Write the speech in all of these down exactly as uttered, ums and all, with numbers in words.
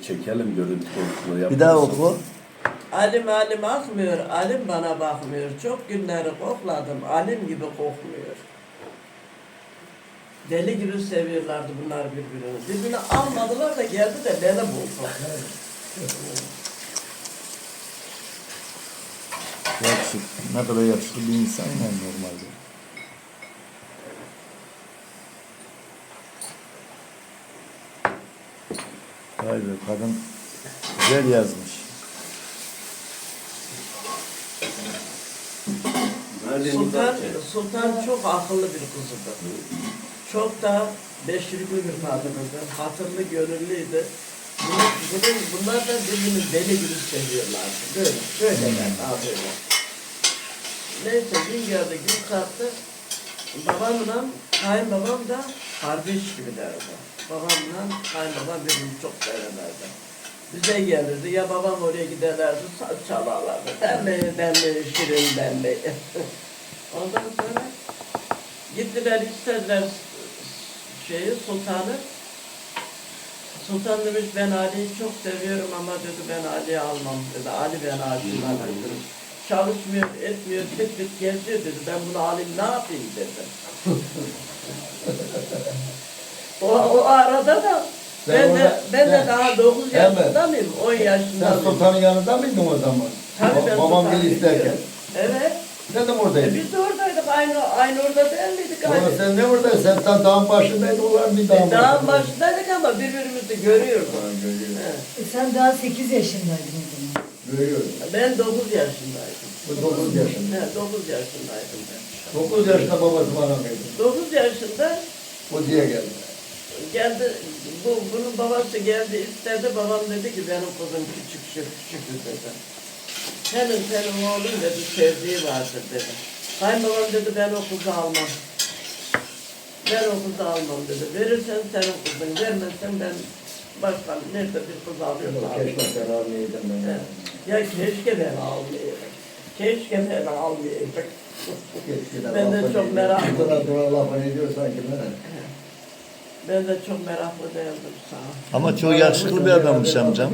çekelim görüntü konusunu. Bir daha oku. Alim alim akmıyor, alim bana bakmıyor. Çok günleri kokladım, alim gibi kokmuyor. Deli gibi seviyorlardı bunlar birbirini. Birbirini almadılar da geldi de beni buldu. Yakışık, ne kadar yakışıklı bir insan yani normalde. Vay be, kadın güzel yazmış. Sultan, Sultan çok akıllı bir kızıdı. Çok da beşirikli bir kadınıydı. Hatırlı, gönüllüydü. Bunun, bunun, bunlar da birbirini deli gibi seviyorlardı. Böyle, böyleler, daha böyle. Neyse, gün geldi, gün kalktı. Babamla kayınbabam da kardeş gibilerdi. Babamla kayınbabam birbirini çok severlerdi. Bize gelirdi, ya babam oraya giderlerdi, saz çalarlardı. Demleyi, demleyi, şirin demleyi. Ondan sonra gittiler, istediler şeyi, sultanı. Sultan demiş, ben Ali'yi çok seviyorum ama dedi, ben Ali'yi almam dedi. Ali ben Ali'yi alırım. Çalışmıyor, etmiyor, tık tık geziyor dedi. Ben bunu alayım, ne yapayım dedi. o, o arada da ben, ben, de, ben de daha dokuz yaşında mıyım? on yaşında Sen sultanın yanında mıydın o zaman? Tabii ben Babam beni isterken. Evet. Sen de mi oradaydın? E biz de oradaydık, aynı aynı orada değil miydik? Ama sen ne oradaydın? Sen tam dağın başındaydın, onlar bir dağın E, dağın başındaydın. başındaydık ama birbirimizi görüyorduk. Ha, görüyorum. He. E sen daha sekiz yaşındaydın o zaman. Görüyorum. Ben dokuz yaşındaydım. Bu dokuz yaşında. He, dokuz yaşındaydım ben. Dokuz yaşında babası bana verdi. dokuz yaşında O diye geldi. geldi, bu, bunun babası geldi istedi, babam dedi ki benim kızım küçük şu küçük dedi. Senin senin oğlun dedi, sevdiği vardır dedi. Kayınbabam dedi, ben o kızı almam. Ben o kızı almam dedi. Verirsen senin kızın, vermezsen ben başka nerede bir kız alıyorsa alayım. Keşke ben almayaydım ben. He. Ya keşke ben almayayım. Keşke ben almayayım. Keşke Ben de lafını çok ediyor. merak- Dura dura lafını ediyor sanki ben. Ben de çok meraklı değildim sağ ol. Ama çok yakışıklı bir adammış amcam.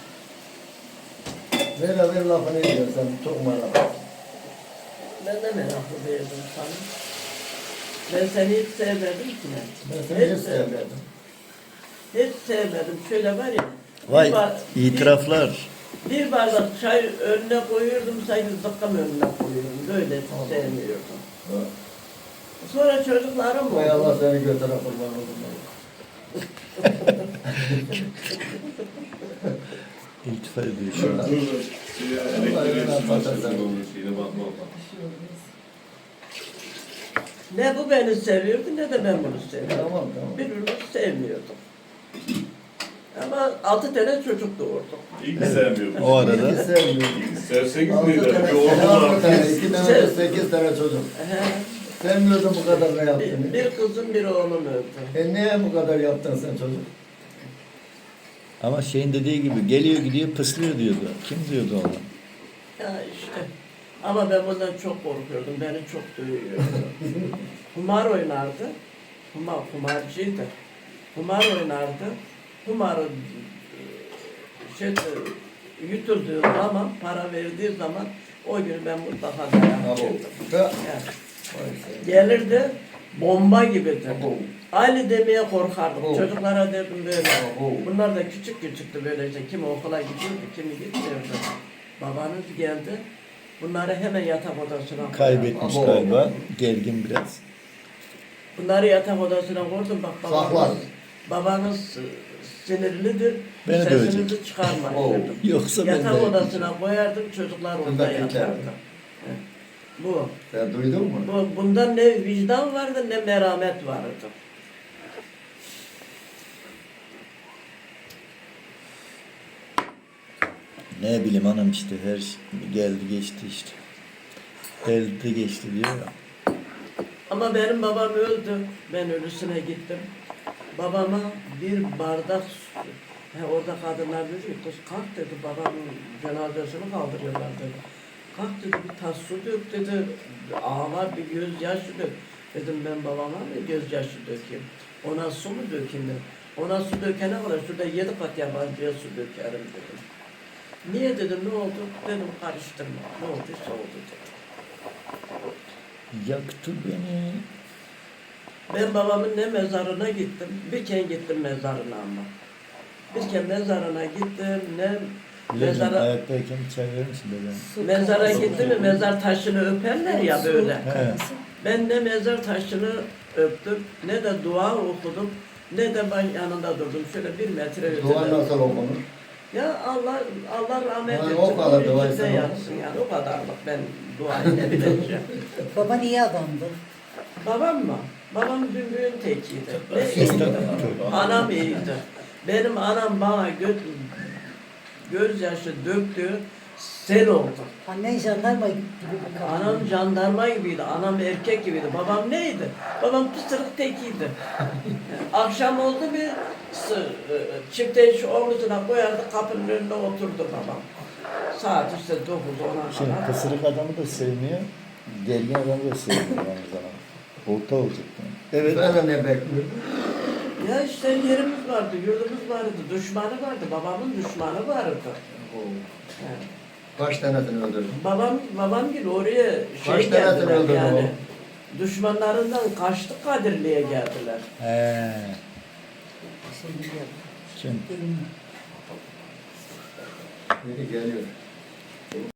Ver ver lafını ediyor sen çok merak. Ben de meraklı değildim sana. Ben seni hiç sevmedim ki. Ben seni hiç sevmedim. Hiç sevmedim. Şöyle var ya. Vay, bir bar- itiraflar. Bir, bir bardak çay önüne koyuyordum, sanki zıkkım önüne koyuyordum. Böyle sevmiyordum. Ha. Sonra çocuklarım Vay Allah oldu. seni götüre kurban oldum. İltifat ediyor şu an. Ne bu beni seviyordu ne de ben bunu seviyordum. Tamam tamam. Birbirimizi sevmiyorduk. Ama altı tane çocuk doğurduk. İyi ki sevmiyorum. O arada Hiç sevmiyorum. Sevseniz Altı neydi? tane, Bir oğlum altı var. tane, iki tane, de sekiz tane çocuk. He. Sevmiyordun bu kadar ne Bir, yaptın? bir kızım bir oğlum öldü. E niye bu kadar yaptın sen çocuk? ama şeyin dediği gibi geliyor gidiyor pıslıyor diyordu. Kim diyordu ona? Ya işte. Ama ben bundan çok korkuyordum. Beni çok dövüyordu. Kumar oynardı. Kumar, kumarcıydı. Kumar oynardı. Kumarı e, şey, e, yutulduğu zaman, para verdiği zaman o gün ben mutlaka dayak yedim. Ha. Yani gelirdi, bomba gibiydi. Ali demeye korkardım. Oh. Çocuklara derdim böyle. Oh. Bunlar da küçük küçüktü böylece. Kimi okula gidiyordu, kimi gitmiyordu. Babanız geldi. Bunları hemen yatak odasına koyardı. Kaybetmiş Abo. galiba. Gergin biraz. Bunları yatak odasına koydum. Bak Saklar. babanız, babanız e, sinirlidir. Beni Sesinizi dövecek. çıkarmayın Oh. dedim. Yoksa ben Yatak de odasına koyardım, çocuklar orada Bunda yatardı. beklerdi. Evet. Bu. Sen duydun mu? Bu, bunda ne vicdan vardı ne merhamet vardı. ne bileyim hanım işte her şey geldi geçti işte. Geldi geçti diyor ya. Ama benim babam öldü. Ben ölüsüne gittim. Babama bir bardak su. He, orada kadınlar dedi ki, kız kalk dedi, babamın cenazesini kaldırıyorlar dedi. Kalk dedi, bir tas su dök dedi. Ağlar bir gözyaşı dök. Dedim ben babama mı gözyaşı dökeyim? Ona su mu dökeyim dedim. Ona su dökene kadar şurada yedi kat yabancıya su dökerim dedim. Niye dedim, ne oldu? Dedim karıştırma. Ne olduysa oldu dedim. Yaktı beni. Ben babamın ne mezarına gittim, bir kere gittim mezarına ama. Bir kere mezarına gittim, ne Bilelim mezara, ayaktayken bir çay verir misin dedem? mezara gittim mi mezar taşını öperler ya böyle. He. Ben ne mezar taşını öptüm, ne de dua okudum, ne de ben yanında durdum. Şöyle bir metre Dua ötede. nasıl okunur? Ya Allah Allah rahmet Yani etsin. o kadar onun dua içinde etsen yatsın yani o kadarlık ben duayı ne bileceğim. Baban iyi adamdı. Babam mı? Babam bümbüğün tekiydi. Ne Sistem iyiydi. kötü. Anam iyiydi. Benim anam bana gö gözyaşı döktü, sel oldu. Annen jandarma gibi bir kadın. Anam jandarma gibiydi, anam erkek gibiydi. Babam neydi? Babam pısırık tekiydi. Akşam oldu bir sı- çift eş omuzuna koyardı, kapının önünde oturdu babam. Saat işte dokuz ona Şimdi kadar. kısırık adamı da sevmiyor, gergin adamı da sevmiyor aynı zamanda. Orta olacak yani. Evet. Ben de ne bekliyordum? Ya işte yerimiz vardı, yurdumuz vardı, düşmanı vardı, babamın düşmanı vardı. Yani Kaç tanesini öldürdün? babam, babam gibi oraya Kaç şey tanesini geldiler öldürdü yani. Düşmanlarından kaçtı Kadirli'ye geldiler. He. Şey biliyorum. Şimdi Gelin. Biri geliyor.